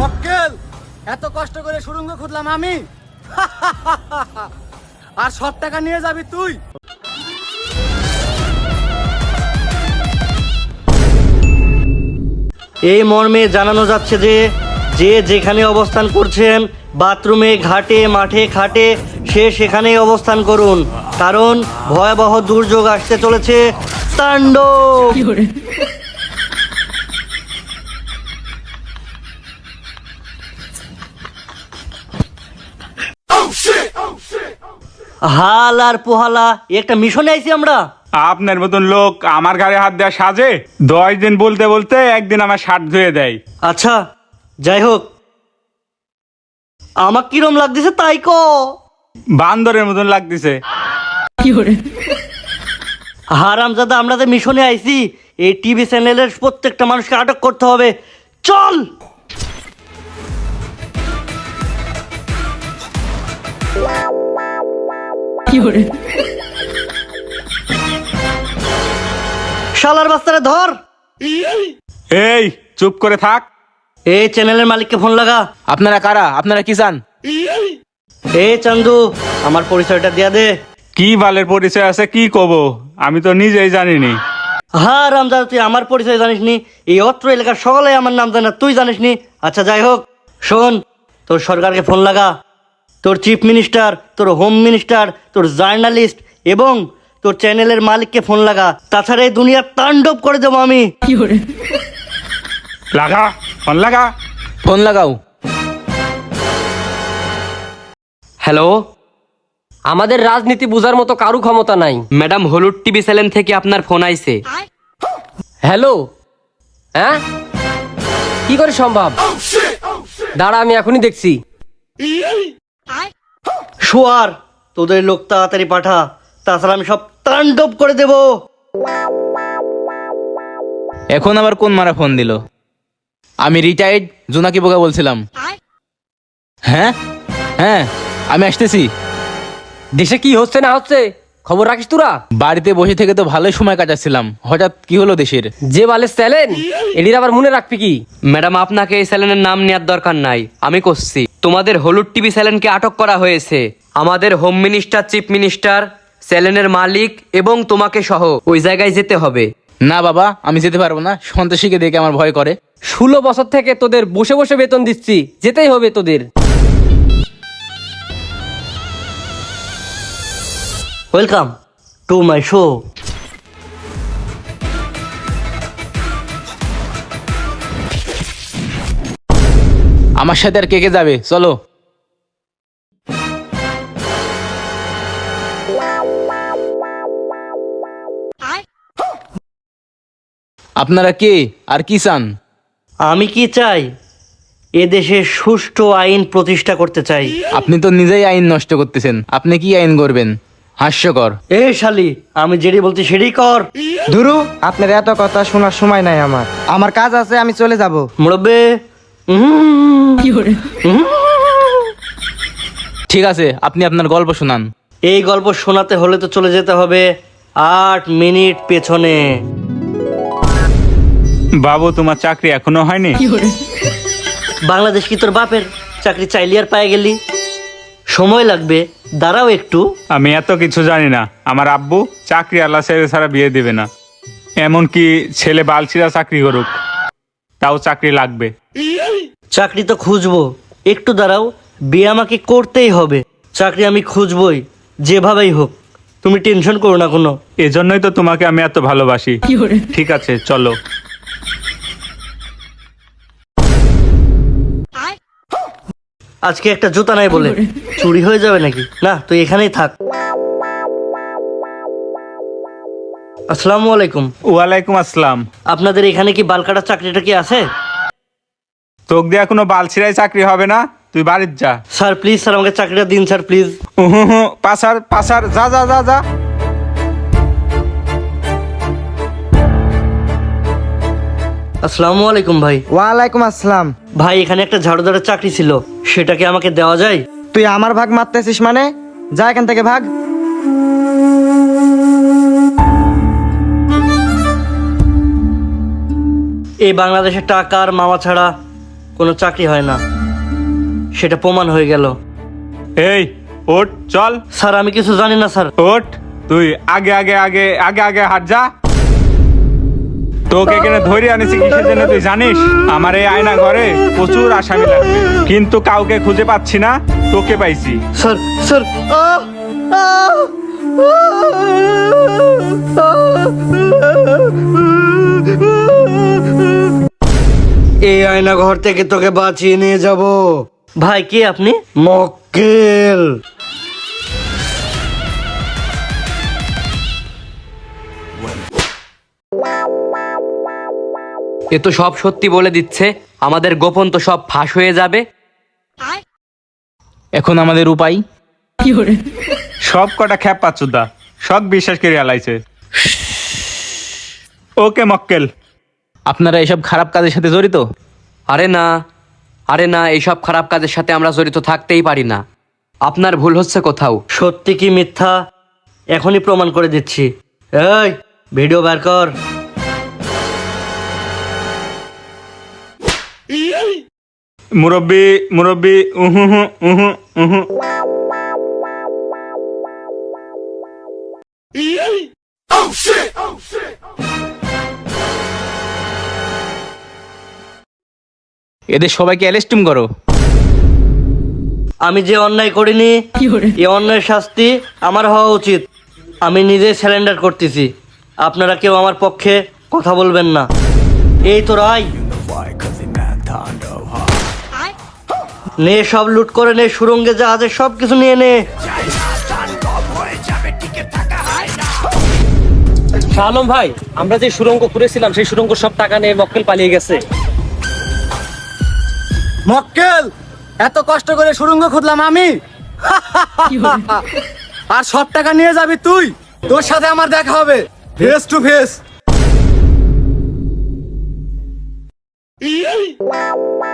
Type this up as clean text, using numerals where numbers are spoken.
মক্কেল, এত কষ্ট করে সুড়ঙ্গ খুঁজলাম আমি, আর সব টাকা নিয়ে যাবি তুই? এই মর্মে জানানো যাচ্ছে যে যে যেখানে অবস্থান করছেন, বাথরুমে, ঘাটে, মাঠে, খাটে, সে সেখানেই অবস্থান করুন, কারণ ভয়াবহ দুর্যোগ আসতে চলেছে। তাণ্ডব! হাল আর পোহালা, একটা মিশনে আইছি আমরা। আপনার মতন লোক আমার ঘাড়ে হাত দেওয়া সাজে? 10 দিন বলতে বলতে একদিন আমার শার্ট ধুয়ে দেয়। আচ্ছা, যাই হোক, আমার কিরম লাগতেছে তাই ক। বান্দরের মতন লাগতেছে। হারামজাদা, আমরা যে মিশনে আইছি, এই টিভি চ্যানেলের প্রত্যেকটা মানুষকে আটক করতে হবে। চল। শালার বাস্তারে ধর। এই চুপ করে থাক। এই চ্যানেলের মালিককে ফোন লাগা। আপনারা কারা? আপনারা কি চান? এই চান্দু, আমার পরিচয়টা দিয়া দে। কি বালের পরিচয় আছে কি কব, আমি তো নিজেই জানিনি। হ্যাঁ রামজাদা, তুই আমার পরিচয় জানিস নি? এই অত্র এলাকার সকলে আমার নাম জানে, তুই জানিস নি? আচ্ছা যাই হোক, শোন, তোর সরকারকে ফোন লাগা, তোর চিফ মিনিস্টার, তোর হোম মিনিস্টার, তোর জার্নালিস্ট এবং তোর চ্যানেলের মালিককে ফোন লাগা, তাছাড়া এই দুনিয়া তাণ্ডব করে দেবো আমি। লাগা, ফোন লাগা। ফোন লাগাও। হ্যালো, আমাদের রাজনীতি বুঝার মতো কারু ক্ষমতা নাই। ম্যাডাম, হলুদ টিভি চ্যানেল থেকে আপনার ফোন আইছে। হ্যালো, হ্যাঁ, কি করে সম্ভব? দাঁড়া, আমি এখনই দেখছি। শোয়ার, তোদের লোক তাড়াতাড়ি পাঠা, তাছাড়া আমি সব তাণ্ডব করে দেব। এখন আবার কোন মারা ফোন দিল? আমি রিটায়ার্ড জোনাকি বোকা বলছিলাম। হ্যাঁ হ্যাঁ, আমি আসতেছি। দেশে কি হচ্ছে না হচ্ছে খবর রাখিস তোরা? বাড়িতে বসে থেকে তো ভালোই সময় কাটাচ্ছিলাম, হঠাৎ কি হলো দেশের? যে বালের চ্যালেন, এটির আবার মনে রাখবি কি? ম্যাডাম, আপনাকে এই চ্যানেলের নাম নেওয়ার দরকার নাই, আমি করছি। তোমাদের হলুদ টিভি চ্যানেলকে আটক করা হয়েছে। আমাদের হোম মিনিস্টার, চিফ মিনিস্টার, চ্যানেলের মালিক এবং তোমাকে সহ ওই জায়গায় যেতে হবে। না বাবা, আমি যেতে পারবো না, সন্ত্রাসীকে দেখে আমার ভয় করে। 16 বছর থেকে তোদের বসে বসে বেতন দিচ্ছি, যেতেই হবে তোদের। Welcome to my show. আমার সাথে আর কে কে যাবে? চলো। আপনারা কে আর কি চান? আমি কি চাই? এদেশে সুষ্ঠু আইন প্রতিষ্ঠা করতে চাই। আপনি তো নিজেই আইন নষ্ট করতেছেন, আপনি কি আইন করবেন? হাস্যকর। এ শালি, আমি যেটি বলছি সেটাই কর। ধুরু, আপনার এত কথা শোনার সময় নাই আমার। আমার কাজ আছে, আমি চলে যাব। মুরব্বে, ঠিক আছে, আপনি আপনার গল্প শোনান। এই গল্প শোনাতে হলে তো চলে যেতে হবে 8 মিনিট পেছনে। বাবু, তোমার চাকরি এখনো হয়নি? বাংলাদেশ কি তোর বাপের? চাকরি চাইলি আর পায়ে গেলি? সময় লাগবে, দাঁড়াও একটু। আমি এত কিছু জানি না। আমার আব্বু চাকরি আল্লাহ ছেলে ছাড়া বিয়ে দেবে না, এমনকি ছেলে বালছিরা চাকরি করুক, তাও চাকরি লাগবে। চাকরি তো খুঁজবো, একটু দাঁড়াও। বিয়ে আমাকে করতেই হবে, চাকরি আমি খুঁজবই যেভাবেই হোক, তুমি টেনশন করো না কোনো। এজন্যই তো তোমাকে আমি এত ভালোবাসি। ঠিক আছে, চলো। আজকে একটা জুতা নাই বলে চুরি হয়ে যাবে নাকি? না, তুই এখানেই থাক। আসসালামু আলাইকুম। ওয়ালাইকুম আসসালাম। আপনাদের এখানে কি বাল কাটার চাকরিটা কি আছে? তোক দিয়া কোনো বালছিরাই চাকরি হবে না, তুই বাড়ির যা। স্যার প্লিজ, স্যার আমাকে চাকরিটা দিন স্যার প্লিজ। পাসার পাসার, যা যা যা যা। আসসালামু আলাইকুম ভাই। ওয়ালাইকুম আসসালাম। ভাই, এখানে একটা ঝাড়ুদারের চাকরি ছিল, সেটাকে আমাকে দেওয়া যায়? তুই আমার ভাগ মারতেছিস মানে? যা এখান থেকে ভাগ। এই বাংলাদেশের টাকা আর মামা ছাড়া কোনো চাকরি হয় না, সেটা প্রমাণ হয়ে গেল। এই ওঠ চল। স্যার আমি কিছু জানি না স্যার। ওঠ, তুই আগে আগে আগে আগে আগে হাট যা। তোকে এখানে ধরে আনিছি কিসের জন্য তুই জানিস? আমার এই আয়না ঘরে প্রচুর আসামি লাগবে, কিন্তু কাউকে খুঁজে পাচ্ছি না, তোকে পাইছি। স্যার স্যার এই আয়না ঘর থেকে তোকে বাঁচিয়ে নিয়ে যাব। ভাই কে আপনি? মক্কেল। এ তো সব সত্যি বলে দিচ্ছে, আমাদের গোপন তো সব ফাঁস হয়ে যাবে। এখন আমাদের উপায়? সব কটা খ্যাপ পাচ্ছুদা, সব বিশ্বাস করে আলাইছে। ওকে মক্কেল। আপনারা এসব খারাপ কাজের সাথে জড়িত? আরে না, আরে না, এইসব খারাপ কাজের সাথে আমরা জড়িত থাকতেই পারি না। আপনার ভুল হচ্ছে কোথাও। সত্যি কি মিথ্যা এখনই প্রমাণ করে দিচ্ছি। এই ভিডিও বের কর। মুরব্বি মুরব্বি, উহু হু উহু উহু। এদের সবাইকে অ্যারেস্টিং করো। আমি যে অন্যায় করিনি এই অন্যায়ের শাস্তি আমার হওয়া উচিত। আমি নিজে স্যালেন্ডার করতেছি, আপনারা কেউ আমার পক্ষে কথা বলবেন না। এই তো রাই, নে সব লুট করে নে, সুরঙ্গে জাহাজের সব কিছু নিয়ে নে। শাহ আলম ভাই, আমরা যে সুড়ঙ্গ করেছিলাম সেই সুড়ঙ্গ সব টাকা নিয়ে মক্কেল পালিয়ে গেছে। মক্কেল, এত কষ্ট করে সুড়ঙ্গ খুঁজলাম আমি, আর সব টাকা নিয়ে যাবি তুই? তোর সাথে আমার দেখা হবে ফেস টু ফেস।